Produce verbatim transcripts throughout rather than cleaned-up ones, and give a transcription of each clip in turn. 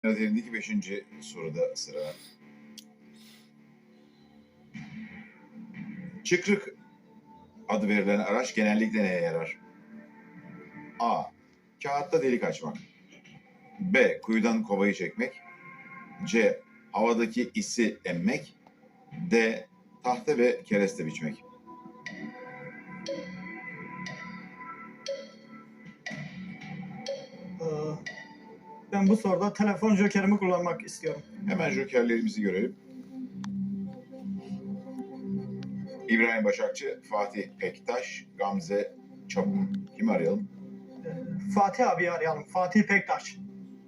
Üzerindeki beşinci soruda sıra. Çıkrık adı verilen araç genellikle neye yarar? A. Kağıtta delik açmak. B. Kuyudan kovayı çekmek. C. Havadaki isi emmek. D. Tahta ve kereste biçmek. Ee, Ben bu soruda telefon jokerimi kullanmak istiyorum. Hemen jokerlerimizi görelim. İbrahim Başakçı, Fatih Pektaş, Gamze Çapuk. Kimi arayalım? Ee, Fatih abi arayalım. Fatih Pektaş.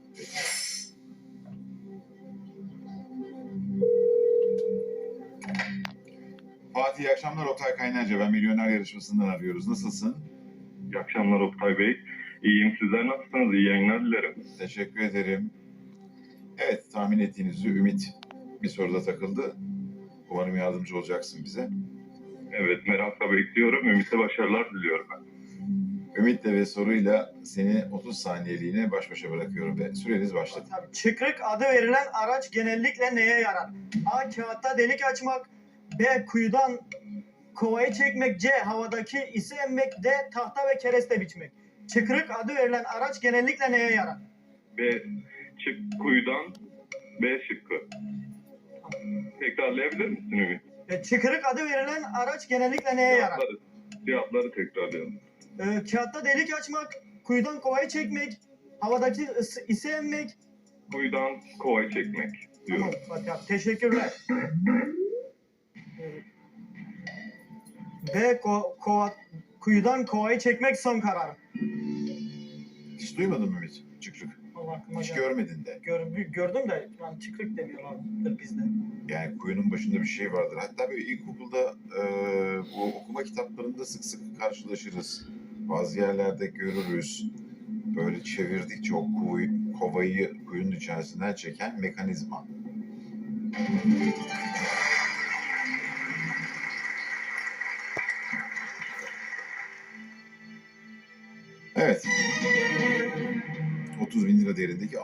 Fatih, iyi akşamlar. Oktay Kaynarca. Ben Milyoner Yarışması'ndan arıyoruz. Nasılsın? İyi akşamlar Oktay Bey. İyiyim. Sizler nasılsınız? İyi yayınlar dilerim. Teşekkür ederim. Evet, tahmin ettiğiniz üzere Ümit bir soruda takıldı. Umarım yardımcı olacaksın bize. Evet, merakla bekliyorum. Ümit'e başarılar diliyorum ben. Ümit'le ve soruyla seni otuz saniyeliğine baş başa bırakıyorum ve süreniz başladı. Tabii, çıkrık adı verilen araç genellikle neye yarar? A. Kağıtta delik açmak. B. Kuyudan kovayı çekmek. C. Havadaki isi emmek. D. Tahta ve kereste biçmek. Çıkrık adı verilen araç genellikle neye yarar? B. Çık kuyudan B şıkkı. Tekrarlayabilir misin Ümit? E, çıkrık adı verilen araç genellikle neye yarar? Cevapları, cevapları tekrarlayalım. E, kağıtta delik açmak. Kuyudan kovayı çekmek. Havadaki ısı- isi emmek. Kuyudan kovayı çekmek diyorum. Tamam Fatih abi, teşekkürler. Ve ko- kova- kuyudan kovayı çekmek son kararım. Hiç duymadın mı Ümit? Çıkrık. Allah aklıma Hiç geldi. görmedin de. Gör, gördüm de lan çıkrık demiyorlardır bizde. Yani kuyunun başında bir şey vardır. Hatta böyle ilkokulda e, bu okuma kitaplarında sık sık karşılaşırız. Bazı yerlerde görürüz. Böyle çevirdikçe o kuyu, kovayı kuyunun içerisinden çeken mekanizma. Evet. otuz bin lira değerindeki